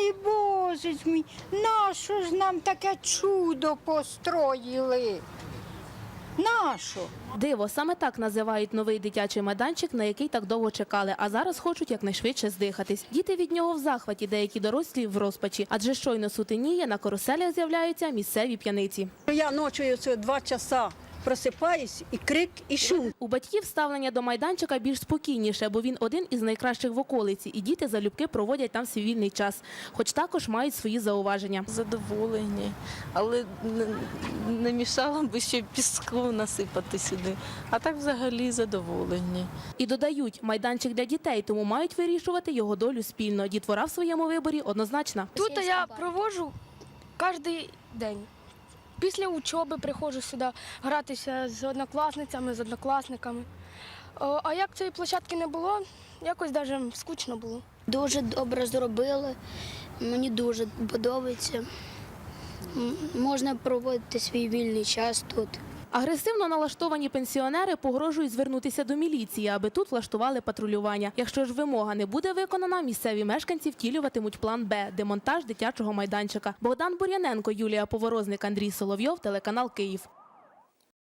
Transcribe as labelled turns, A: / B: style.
A: Ой, Боже ж мій, нащо ж нам таке чудо построїли? Нащо?
B: Диво, саме так називають новий дитячий майданчик, на який так довго чекали, а зараз хочуть якнайшвидше здихатись. Діти від нього в захваті, деякі дорослі в розпачі, адже щойно сутеніє, на каруселях з'являються місцеві п'яниці.
C: Я ночою 2 часа просипаюсь, і крик, і шум.
B: У батьків ставлення до майданчика більш спокійніше, бо він один із найкращих в околиці, і діти залюбки проводять там свій вільний час, хоч також мають свої зауваження.
D: Задоволені, але не мішало б ще піску насипати сюди. А так взагалі задоволені.
B: І додають, майданчик для дітей, тому мають вирішувати його долю спільно. Дітвора в своєму виборі однозначна.
E: Тут я проводжу кожен день. Після учоби приходжу сюди гратися з однокласницями, з однокласниками. А як цієї площадки не було, якось навіть скучно було.
F: Дуже добре зробили, мені дуже подобається. Можна проводити свій вільний час тут.
B: Агресивно налаштовані пенсіонери погрожують звернутися до міліції, аби тут влаштували патрулювання. Якщо ж вимога не буде виконана, місцеві мешканці втілюватимуть план «Б» – демонтаж дитячого майданчика. Богдан Бур'яненко, Юлія Поворозник, Андрій Соловйов, телеканал «Київ».